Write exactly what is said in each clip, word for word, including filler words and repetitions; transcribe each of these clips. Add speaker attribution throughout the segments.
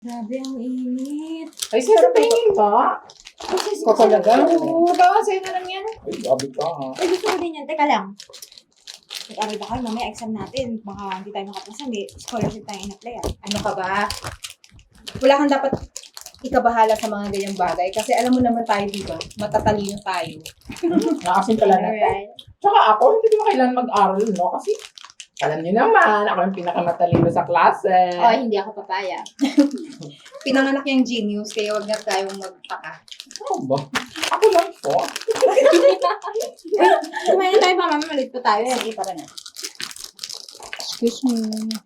Speaker 1: Grabe, ang init.
Speaker 2: Ay, sir, tingin ba?
Speaker 1: Kasi
Speaker 2: Ikaw talaga?
Speaker 1: Oo, baka sa'yo na lang yan.
Speaker 2: Ay, grabe ka ha.
Speaker 1: Ay, gusto ko din yan. Teka lang. Mag-aral ba kayo? Mamaya exam natin. Baka hindi tayo makapasa. May scholarship tayo in-apply ah.
Speaker 3: Ano ka ba? Wala kang dapat ikabahala sa mga ganyang bagay. Kasi alam mo naman tayo, di ba? Matatalino tayo.
Speaker 2: Nakasin pala na to.
Speaker 1: Alright.
Speaker 2: Tsaka ako, hindi ko na kailangan mag-aral, no? Kasi, alam niyo naman, ako yung pinakamatalino sa klase.
Speaker 1: Ay, hindi ako papaya.
Speaker 3: Pinanganak yung genius, kaya wag na tayong magtaka.
Speaker 2: Ano ba? Ako lang po.
Speaker 1: Kumain na tayo pa, mami. Malit pa tayo.
Speaker 3: Sige, para na.
Speaker 4: Excuse me.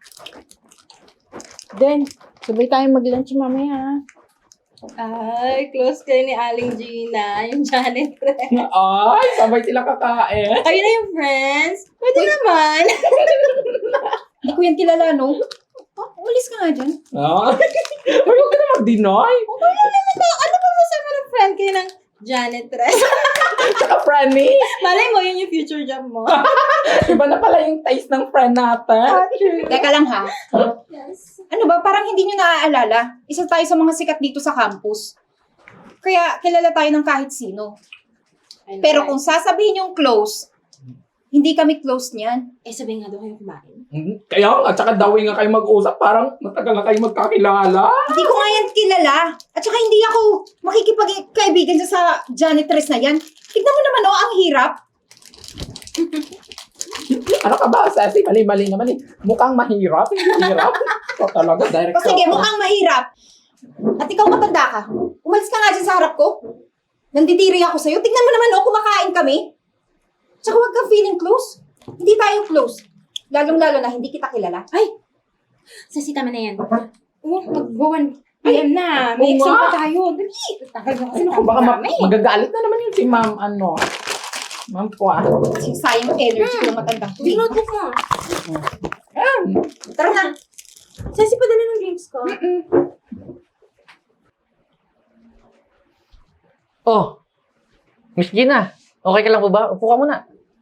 Speaker 4: Then, sabay tayong mag-lunch mamaya.
Speaker 1: Ay, close kayo ni Aling Gina. Yung Janet Ren.
Speaker 2: Ay, sabay sila kakain.
Speaker 1: Kayo na yung friends? Pwede naman.
Speaker 3: Hindi ko yan kilala, no? Oh, umalis ka nga dyan.
Speaker 2: Ah. Ay, huwag ka na mag-deny.
Speaker 1: Ano ba masama ng friend kayo ng Janet Ren?
Speaker 2: Tsaka friendly.
Speaker 1: Malay mo, yun yung future job mo.
Speaker 2: Iba na pala yung taste ng friend natin.
Speaker 3: Teka lang ha.
Speaker 1: Yes.
Speaker 3: Ano ba, parang hindi nyo naaalala. Isa tayo sa mga sikat dito sa campus. Kaya kilala tayo ng kahit sino. Pero kung sasabihin yung close, hindi kami close niyan.
Speaker 1: Eh, sabihin nga daw kayo kumain.
Speaker 2: Hmm, Kaya, at saka dawin nga kayo mag-usap, parang matagal na kayo magkakilala.
Speaker 3: Hindi ko nga yan kilala. At saka hindi ako makikipagkaibigan dyan sa janitress na yan. Tignan mo naman, oh, ang hirap.
Speaker 2: Ano ka ba, Ceci? Mali-mali naman eh. Mukhang mahirap. Hirap. Ikaw talaga, direct
Speaker 3: O sige, mukhang mahirap. At ikaw matanda ka. Umalis ka nga dyan sa harap ko. Nandidiri ako sa'yo. Tignan mo naman, oh, kumakain kami. Tsaka huwag kang feeling close. Hindi tayo close. Lalong-lalo na hindi kita kilala.
Speaker 1: Ay! Sasi, tama na yan. Oh, mag-one P M na. May
Speaker 2: Oo
Speaker 1: exam
Speaker 2: nga.
Speaker 1: pa tayo. Dali! Tagal na kasi
Speaker 2: Ano, baka ma-
Speaker 1: namin.
Speaker 2: magagalit na naman yun si ma'am, ano. Ma'am po ah.
Speaker 3: Sayang energy ng matandang to.
Speaker 1: Yung notebook mo.
Speaker 2: Ayan.
Speaker 3: Tara na.
Speaker 1: Sasi, padala ng drinks ko.
Speaker 5: Oh, Miss Gina, okay ka lang po ba? Upo ka muna.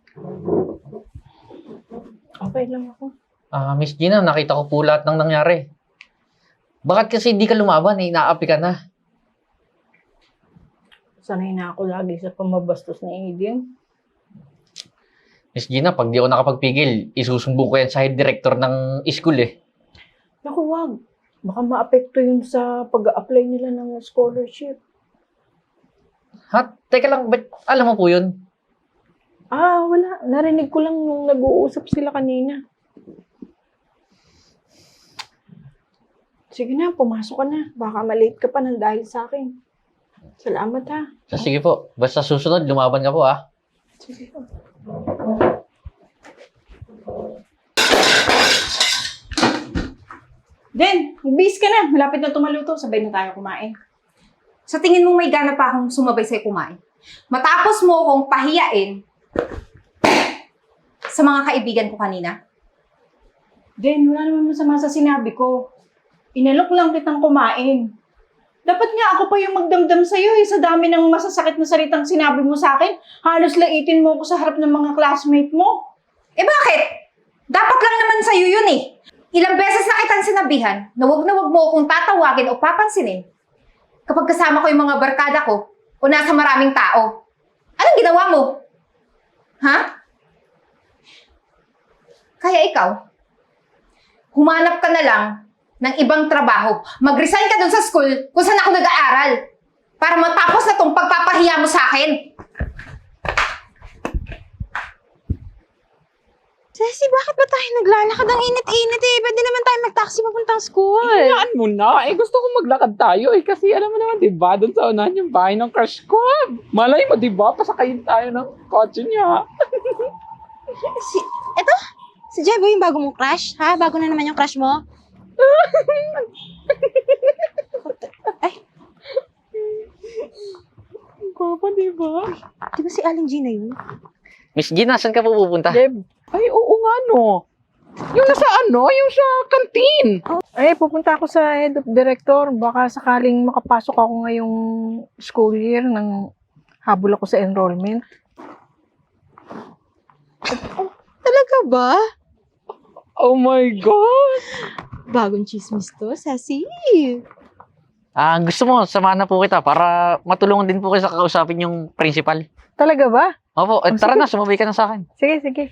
Speaker 4: Okay lang ako.
Speaker 5: Ah, Miss Gina, nakita ko po lahat ng nangyari. Bakit kasi hindi ka lumaban eh, inaapi ka na?
Speaker 4: Sanay na ako lagi sa pamabastos na Aiden.
Speaker 5: Miss Gina, pag di ako nakapagpigil, isusumbong ko yan sa head director ng school eh.
Speaker 4: Naku, wag. Baka maapekto yun sa pag-apply nila ng scholarship.
Speaker 5: Ha? Teka lang, ba't alam mo po yun?
Speaker 4: Ah, wala. Narinig ko lang nung nag-uusap sila kanina. Sige na, pumasok ka na. Baka malate ka pa ng dahil sa akin. Salamat ha.
Speaker 5: So, sige po, basta susunod, lumaban ka po ah.
Speaker 4: Sige po.
Speaker 3: Den, bis ka na. Malapit na tumaluto. Sabay na tayo kumain. Sa tingin mo may gana pa akong sumabay sa'yo kumain? Matapos mo akong pahiyain sa mga kaibigan ko kanina?
Speaker 4: Den, wala naman masama sa sinabi ko. Inalok lang kitang kumain. Dapat nga ako pa yung magdamdam sa'yo eh, sa dami ng masasakit na salitang sinabi mo sa akin. Halos laitin mo ako sa harap ng mga classmate mo.
Speaker 3: Eh bakit? Dapat lang naman sa'yo yun eh. Ilang beses na kitang sinabihan na wag na wag mo akong tatawagin o papansinin kapag kasama ko yung mga barkada ko o nasa maraming tao. Anong ginawa mo? Ha? Kaya ikaw, humanap ka na lang ng ibang trabaho. Mag-resign ka dun sa school kung saan ako nag-aaral para matapos na tong pagpapahiya mo sa akin.
Speaker 1: Sasi, bakit ba tayo naglalakad ang init-init eh? Pwede naman tayo mag-taxi papuntang school.
Speaker 2: Hinaan mo na. Eh, gusto ko maglakad tayo eh. Kasi alam mo naman, di ba? Doon sa unahan yung bahay ng crush ko. Malay mo, di ba? Pasakayin tayo ng kotse niya.
Speaker 1: Si, eto? Si Jebo yung bago mong crush? Ha? Bago na naman yung crush mo? Ay,
Speaker 2: Papa, di ba?
Speaker 1: di ba si Aling Gina yun?
Speaker 5: Miss Gina, saan ka po pupunta?
Speaker 4: Deb,
Speaker 2: Ay, oo nga no. Yung nasa ano? Yung sa kantin.
Speaker 4: ay pupunta ako sa head of director. Baka sakaling makapasok ako ngayong school year nang habol ako sa enrollment.
Speaker 1: Talaga ba?
Speaker 2: Oh my God!
Speaker 1: Bagong chismis to, Sassy.
Speaker 5: Ah, gusto mo, samahan na po kita para matulungan din po kayo sa kakausapin yung principal.
Speaker 6: Talaga ba?
Speaker 5: Opo, eh,
Speaker 6: Oh,
Speaker 5: tara
Speaker 6: sige.
Speaker 5: na, sumabay ka na sa akin.
Speaker 6: Sige, sige.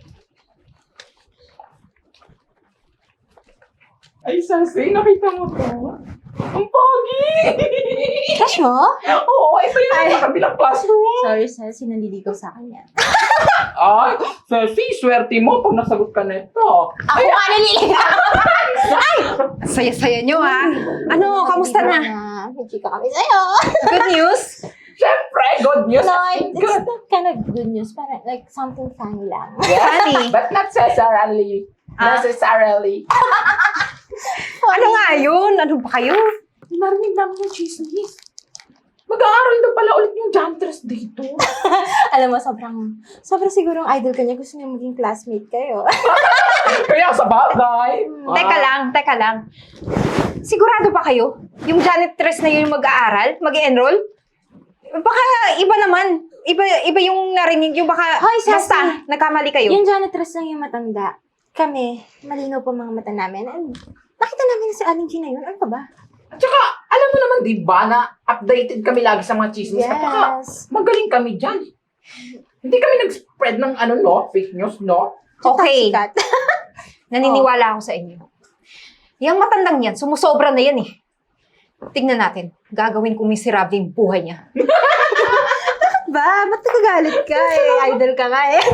Speaker 2: Ay, Sassy, nakita mo to? Ang pogi!
Speaker 1: Crush mo?
Speaker 2: Oo, ito yun sa kabilang classroom.
Speaker 1: Sorry, sis. Sinandiligaw sa akin yan.
Speaker 2: Ay, Sassy, swerte mo pag nasagot ka nito.
Speaker 3: Ako nga naliligaw! Ay! Saya-saya nyo, ha? Ano, kamusta na?
Speaker 1: May chika kami sa'yo.
Speaker 3: Good news?
Speaker 2: Siyempre, good news.
Speaker 1: No,
Speaker 2: as in
Speaker 1: it's
Speaker 2: good.
Speaker 1: not kind of good news. Parang like something funny lang.
Speaker 3: Funny.
Speaker 2: But not necessarily.
Speaker 3: Ah.
Speaker 2: Necessarily.
Speaker 3: Ano nga yun? Ano ba kayo?
Speaker 2: Narinig namin yung chismis. Mag-aaral daw pala ulit yung janitress dito.
Speaker 1: Alam mo, sobrang, sobrang sigurong idol ka niya. Gusto niya maging classmate kayo.
Speaker 2: Kaya sa bagay.
Speaker 3: Teka lang, teka lang. Sigurado ba kayo? Yung janitress na yun yung mag-aaral? Mag-enroll? Baka iba naman. Iba iba yung narinig yung baka
Speaker 1: Hoy, Sassy!
Speaker 3: basta nagkamali kayo.
Speaker 1: Yung janitress lang yung matanda. Kami, malinaw po mga mata namin. And nakita namin na si Aling G na yun. Ano ka ba?
Speaker 2: At saka, alam mo naman, di ba, na updated kami lagi sa mga chismis. At saka,
Speaker 1: Yes.
Speaker 2: magaling kami dyan. Hindi kami nag-spread ng ano, no? Fake news, no?
Speaker 3: Okay,
Speaker 1: Sikat.
Speaker 3: naniniwala ako sa inyo. Yung matandang yan, sumusobra na yan eh. Tingnan natin, gagawin kong miserable yung buhay niya.
Speaker 1: Ba? Ba't nagagalit ka eh? Idol ka nga eh.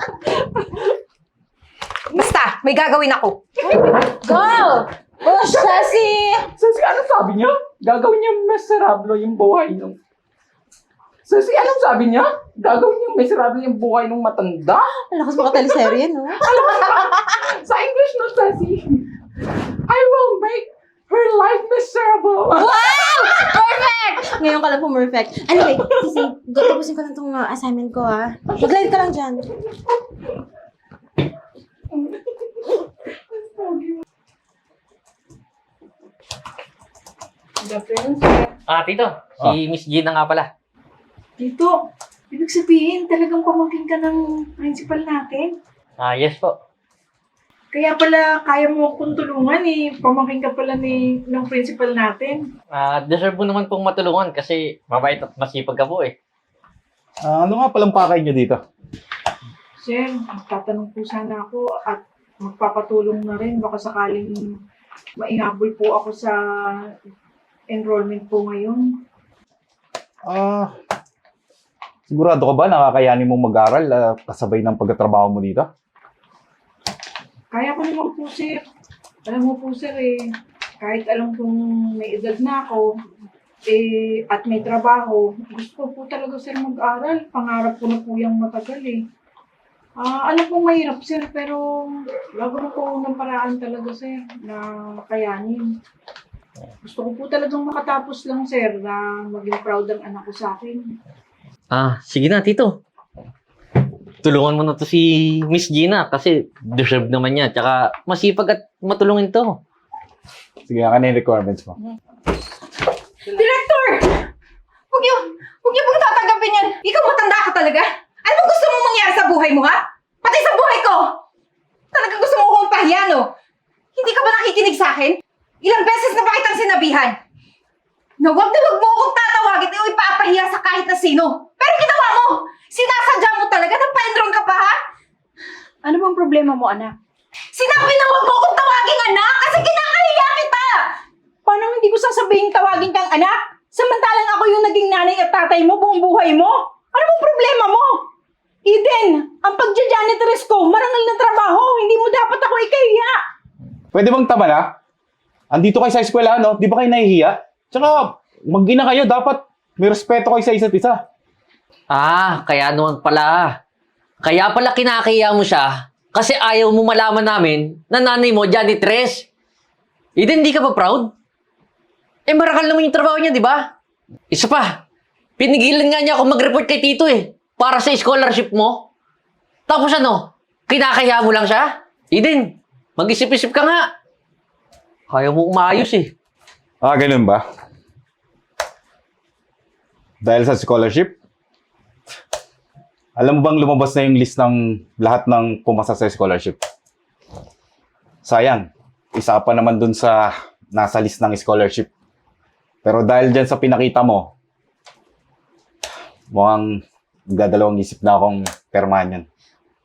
Speaker 3: Basta, may gagawin ako.
Speaker 1: Go! Push, Sassy!
Speaker 2: Sassy, anong sabi niya? Gagawin niya miserable yung buhay nung... Sassy, anong sabi niya? Gagawin niya miserable yung buhay ng matanda?
Speaker 1: Ang lakas mga teleserye, no?
Speaker 2: Sa English, no, Sassy? I will make her life miserable.
Speaker 1: Wow! Perfect! Ngayon ka lang po perfect. Anyway, Sissy, tapusin ko lang itong uh, assignment ko, ha? Mag-live ka lang dyan.
Speaker 4: Good afternoon, sir.
Speaker 5: Ah, tito, si Miss Gina nga pala.
Speaker 4: Tito, ibig sabihin talagang pamangkin ka ng principal natin.
Speaker 5: Ah, yes po.
Speaker 4: Kaya pala kaya mo akong tulungan eh. Pamangkin ka pala ni, ng principal natin.
Speaker 5: Ah, deserve mo naman pong matulungan kasi mabait at masipag ka po eh.
Speaker 7: Ah, ano nga palang pakay niyo dito?
Speaker 4: Sir, magtatanong po sana ako at magpapatulong na rin. Baka sakaling maihabol po ako sa enrollment po ngayon.
Speaker 7: Ah, sigurado ka ba nakakayanin mong mag-aral ah, kasabay ng pagtatrabaho mo dito?
Speaker 4: Kaya ko naman po, sir. Alam mo po, sir, eh, kahit alam kong may edad na ako, eh, at may trabaho, gusto ko po talaga, sir, mag-aral. Pangarap ko na po yung matagal, eh. Ah, alam kong mahirap, sir, pero gagawin ko ng paraan talaga, sir, na kayanin. Gusto ko po talagang makatapos lang, sir, na maging proud ang anak ko sa akin.
Speaker 5: Ah, sige na, tito. Tulungan mo na to si Miss Gina kasi deserve naman niya. Tsaka masipag at matulungin to.
Speaker 7: Sige, ano yung requirements mo?
Speaker 3: Director! Huwag niyo, huwag niyo pong tatanggapin yan. Ikaw matanda ka talaga. Ano bang gusto mong mangyari sa buhay mo, ha? Pati sa buhay ko! Talaga gusto mo akong pahiya, no? Hindi ka ba nakikinig sa akin? Ilang beses na ba kitang sinabihan? Na wag na wag mo akong tatawagin o ipapahiya sa kahit na sino. Pero ginawa mo! Sinasadya mo talaga na pa-enroll ka pa, ha?
Speaker 4: Ano bang problema mo, anak?
Speaker 3: Sinabi na wag mo akong tawagin anak kasi kinakahiya kita!
Speaker 4: Paano hindi ko sasabihin tawagin kang anak? Samantalang ako yung naging nanay at tatay mo buong buhay mo. Ano bang problema mo? Eden, ang pagja-janitress ko, marangal na trabaho. Hindi mo dapat ako ikahiya.
Speaker 7: Pwede bang tama na? Andito kayo sa eskwela, no? Di ba kayo nahihiya? Tsaka, mag-ina kayo, dapat may respeto kayo sa isa't isa.
Speaker 5: Ah, kaya naman pala. Kaya pala kinakaya mo siya kasi ayaw mo malaman namin na nanay mo, janitress. Eden, hindi ka ba proud? Eh, marakal naman yung trabaho niya, di ba? Isa pa, pinigilan nga niya ako mag-report kay Tito eh, para sa scholarship mo. Tapos ano, kinakaya mo lang siya? Eden, mag-isip-isip ka nga. Kaya mo umayos eh.
Speaker 7: Ah, ganun ba? Dahil sa scholarship? Alam mo bang lumabas na yung list ng lahat ng pumasa sa scholarship? Sayang, isa pa naman dun sa nasa list ng scholarship. Pero dahil dyan sa pinakita mo, mukhang nagdadalawang isip na akong permahan yan.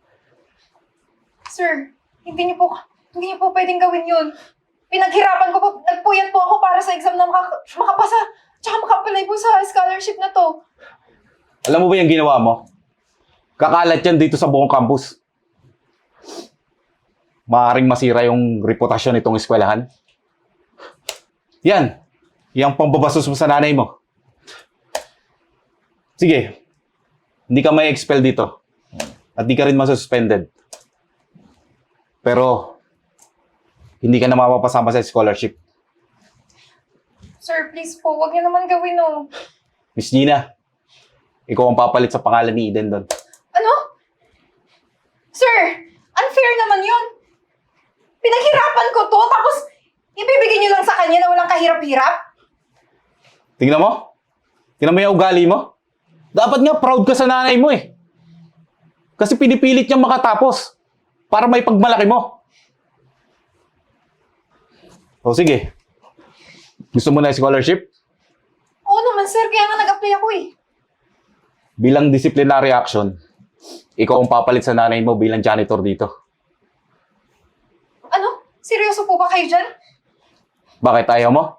Speaker 3: Sir, hindi niyo po, hindi niyo po pwedeng gawin yun. Pinaghirapan ko po, nagpuyat po ako para sa exam na maka, makapasa, tsaka makapalay po sa scholarship na to.
Speaker 7: Alam mo ba yung ginawa mo? Kakalat yan dito sa buong campus. Maaaring masira yung reputasyon nitong eskwelahan. Yan. Yung pambabasos mo sa nanay mo. Sige. Hindi ka may expel dito. At di ka rin masuspended. Pero, hindi ka na mapapasama sa scholarship.
Speaker 3: Sir, please po, wag niyo naman gawin oh.
Speaker 7: Miss Gina, ikaw ang papalit sa pangalan ni Eden doon.
Speaker 3: Ano? Sir, unfair naman yun. Pinaghirapan ko to, tapos ibibigay niyo lang sa kanya na walang kahirap-hirap?
Speaker 7: Tingnan mo. Tingnan mo yung ugali mo. Dapat nga proud ka sa nanay mo eh. Kasi pinipilit niyang makatapos para may pagmalaki mo. O sige. Gusto mo na yung scholarship?
Speaker 3: Oo naman sir, kaya nga nag-apply ako eh.
Speaker 7: Bilang disciplinary action, ikaw ang papalit sa nanay mo bilang janitor dito.
Speaker 3: Ano? Seryoso po ba kayo dyan?
Speaker 7: Bakit ayaw mo?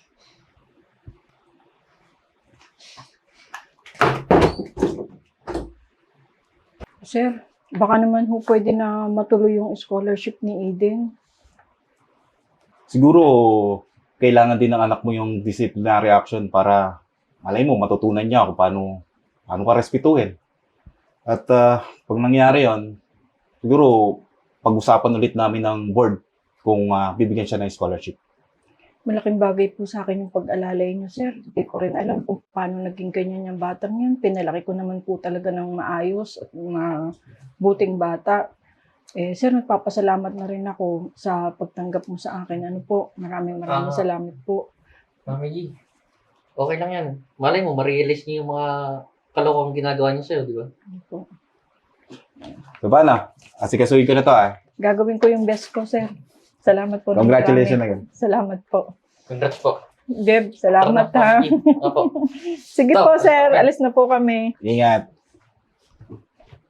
Speaker 4: Sir, baka naman ho pwede na matuloy yung scholarship ni Eden.
Speaker 7: Siguro, kailangan din ng anak mo yung disciplinary action para malay mo, matutunan niya kung paano, paano ka respetuhin. At ah, pag nangyari yon, siguro, pag-usapan ulit namin ng board kung ah, bibigyan siya ng scholarship.
Speaker 4: Malaking bagay po sa akin yung pag-alalay niyo, sir. Hindi ko rin alam kung paano naging ganyan yung batang yan. Pinalaki ko naman po talaga ng maayos at mabuting bata. Eh, sir, nagpapasalamat na rin ako sa pagtanggap mo sa akin. Ano po, maraming maraming
Speaker 5: Ah.
Speaker 4: salamat po.
Speaker 5: Mami G, okay lang yan. Malay mo, ma-realize niyo yung mga kalokong ginagawa niyo sa'yo, di ba?
Speaker 4: Ano po.
Speaker 7: So, paano? Asikasuhin ko na to ah.
Speaker 4: Gagawin ko yung best ko, sir. Salamat po. ng
Speaker 7: Congratulations
Speaker 4: marami.
Speaker 7: again.
Speaker 4: Salamat po.
Speaker 5: Congrats po.
Speaker 4: Deb, salamat ha.
Speaker 5: Mami G. Opo.
Speaker 4: Sige
Speaker 5: Stop.
Speaker 4: po, sir. Alis na po kami.
Speaker 7: Ingat.